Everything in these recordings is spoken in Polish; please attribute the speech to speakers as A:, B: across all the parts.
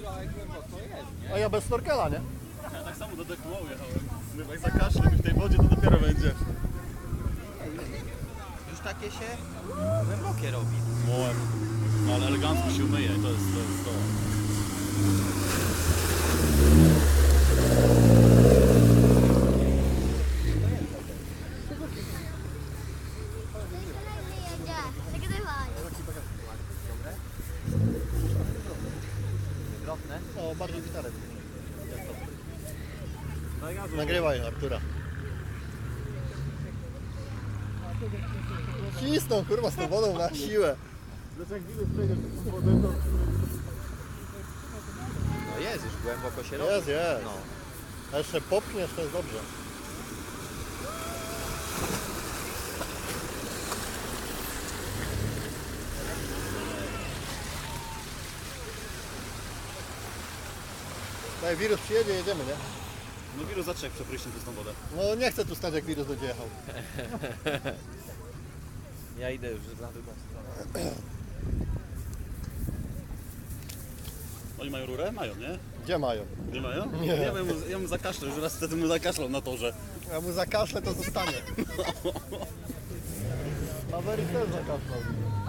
A: A ja bez snorkela, nie?
B: Ja tak samo do deku jechałem. Mówię, jak zakaszlę w tej wodzie, to dopiero będzie.
C: Już takie się głębokie robi.
B: No ale elegancko się umyje, to jest to.
C: Drobne.
A: No, bardziej gitarę. Nagrywaj Artura. Cisną kurwa z tą wodą na siłę.
C: No jest, już głęboko się robi.
A: Jest, jest.
C: No.
A: A jeszcze popchniesz, to jest dobrze. Jak wirus przyjedzie, jedziemy, nie?
B: No wirus zacznie jak przepryśnie przez tą wodę.
A: No nie chcę tu stać, jak wirus będzie jechał.
C: Ja idę już na drugą stronę.
B: Oni mają rurę? Mają, nie?
A: Gdzie mają?
B: Nie mają?
A: Nie.
B: Ja mu zakaszlę, już raz wtedy mu zakaszlał na torze.
A: Ja mu zakaszlę, to zostanie. Maverick też zakaszlał.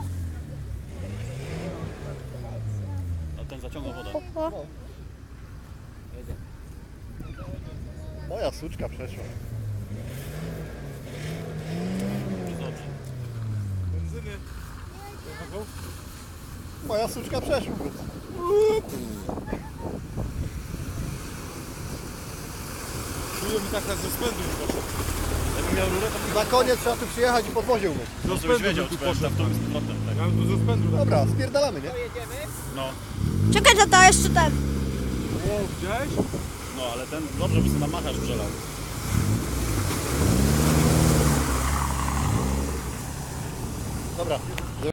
B: A ten zaciągnął wodę.
A: No. Moja suczka przeszła.
B: Dobrze.
A: Moja suczka przeszła.
D: Czuję mi tak na rozpędu już poszedł.
B: Jakbym miał rurę, to bym
A: Na koniec trzeba tu przyjechać i podwozie umyć.
B: dobrze byś wiedział, czy pojechał w tą z powrotem. Tak.
D: Ja bym do rozpędu tak.
A: Dobra, spierdalamy, nie?
B: No,
E: Czekaj, tata, jeszcze ten.
D: O, widziałeś?
B: no ale ten dobrze by sobie na macharz przelał.
A: Dobra.